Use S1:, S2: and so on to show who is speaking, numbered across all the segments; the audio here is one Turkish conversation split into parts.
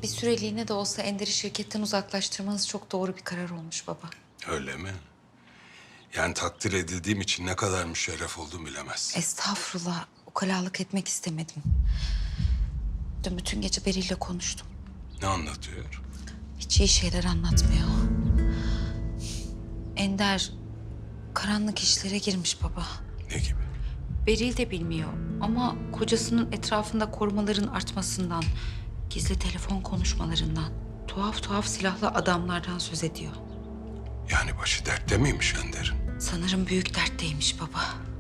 S1: Bir süreliğine de olsa Ender'i şirketten uzaklaştırmanız çok doğru bir karar olmuş baba.
S2: Öyle mi? Yani takdir edildiğim için ne kadar müşerref oldum bilemezsin.
S1: Estağfurullah, ukalalık etmek istemedim. Dün bütün gece Beril'le konuştum.
S2: Ne anlatıyor?
S1: Hiç iyi şeyler anlatmıyor. Ender karanlık işlere girmiş baba.
S2: Ne gibi?
S1: Beril de bilmiyor ama kocasının etrafında korumaların artmasından, gizli telefon konuşmalarından, tuhaf tuhaf silahlı adamlardan söz ediyor.
S2: Yani başı dertte miymiş Ender'in?
S1: Sanırım büyük dertteymiş baba.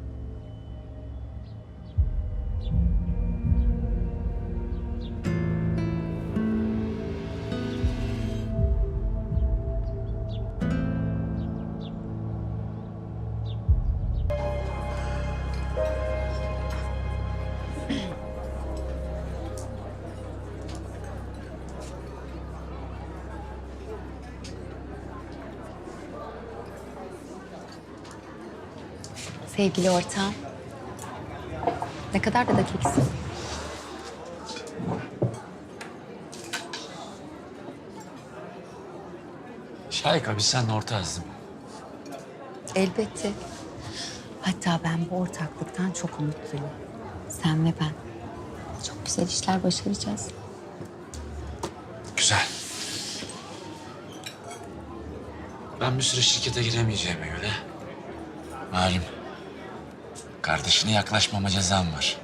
S3: Sevgili ortağım. Ne kadar da dakiksin.
S4: Şahika biz seninle ortağız değil mi?
S3: Elbette. Hatta ben bu ortaklıktan çok umutluyum. Sen ve ben. Çok güzel işler başaracağız.
S4: Güzel. Ben bir süre şirkete giremeyeceğime göre... malum, kardeşine yaklaşmama cezam var.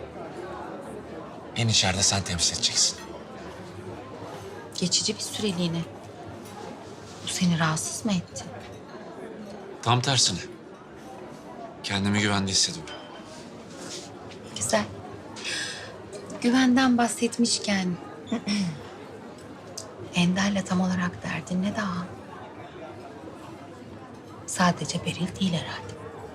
S4: Beni içeride sen temsil edeceksin.
S1: Geçici bir süreliğine. Bu seni rahatsız mı etti?
S4: Tam tersine. Kendimi güvende hissediyorum.
S3: Güzel. Güvenden bahsetmişken... Ender'le tam olarak derdin ne daha? Sadece Beril değil herhalde.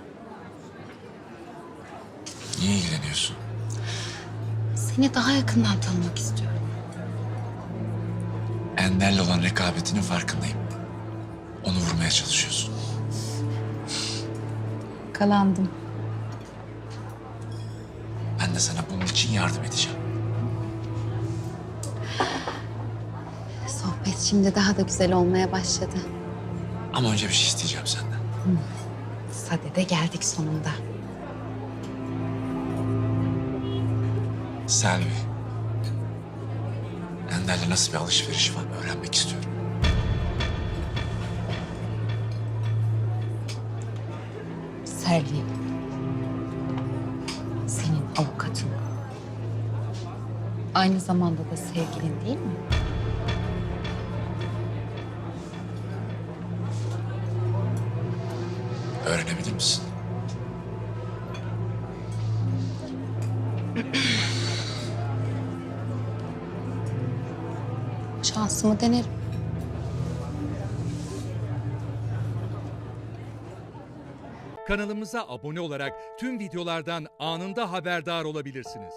S4: Niye ilgileniyorsun?
S1: Seni daha yakından tanımak istiyorum.
S4: Ender'le olan rekabetinin farkındayım. Onu vurmaya çalışıyorsun.
S3: Kalandım.
S4: Ben de sana bunun için yardım edeceğim.
S3: Sohbet şimdi daha da güzel olmaya başladı.
S4: Ama önce bir şey isteyeceğim senden.
S3: Sade'de geldik sonunda.
S4: Selvi. Ender'le nasıl bir alışveriş var öğrenmek istiyorum.
S3: Selvi. Senin avukatın. Aynı zamanda da sevgilin değil mi?
S4: Öğrenebilir misin?
S3: Şansımı denerim.
S5: Kanalımıza abone olarak tüm videolardan anında haberdar olabilirsiniz.